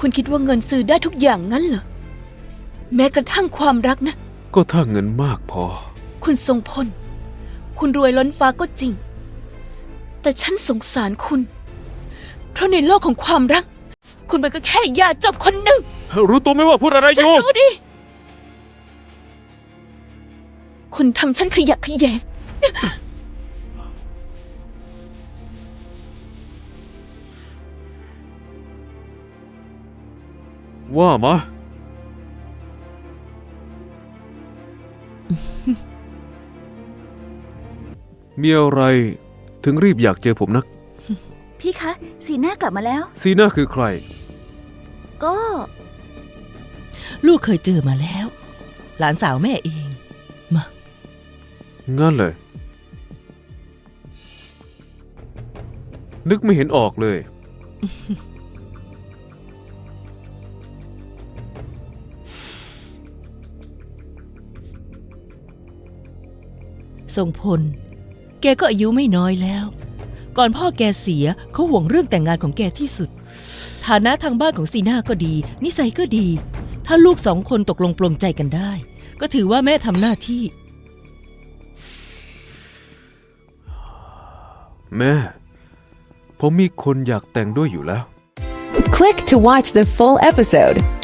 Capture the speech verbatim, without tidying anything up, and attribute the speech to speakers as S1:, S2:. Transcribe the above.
S1: คุณคิดว่าเงินซื้อได้ทุกอย่างงั้นเหรอแม้กระทั่งความรักนะ
S2: ก็ถ้าเงินมากพอ
S1: คุณทรงพลคุณรวยล้นฟ้าก็จริงแต่ฉันสงสารคุณเพราะในโลกของความรักคุณมันก็แค่ยาจกคนหนึ่ง
S2: รู้ตัวไหมว่าพูดอะไรอยู่
S1: ฉันรู้ดิคุณทำฉันขยะแขยง
S2: ว่ามามีอะไรถึงรีบอยากเจอผมนัก
S3: พี่คะสีหน้ากลับมาแล้ว
S2: ซีน่าคือใคร
S3: ก็
S4: ลูกเคยเจอมาแล้วหลานสาวแม่เองมา
S2: งั้นเลยนึกไม่เห็นออกเลย
S4: ทรงพลแกก็อายุไม่น้อยแล้วก่อนพ่อแกเสียเขาห่วงเรื่องแต่งงานของแกที่สุดฐานะทางบ้านของซีน่าก็ดีนิสัยก็ดีถ้าลูกสองคนตกลงปลงใจกันได้ก็ถือว่าแม่ทำหน้าที่
S2: แม่ผมมีคนอยากแต่งด้วยอยู่แล้ว
S5: Click to watch the full episode.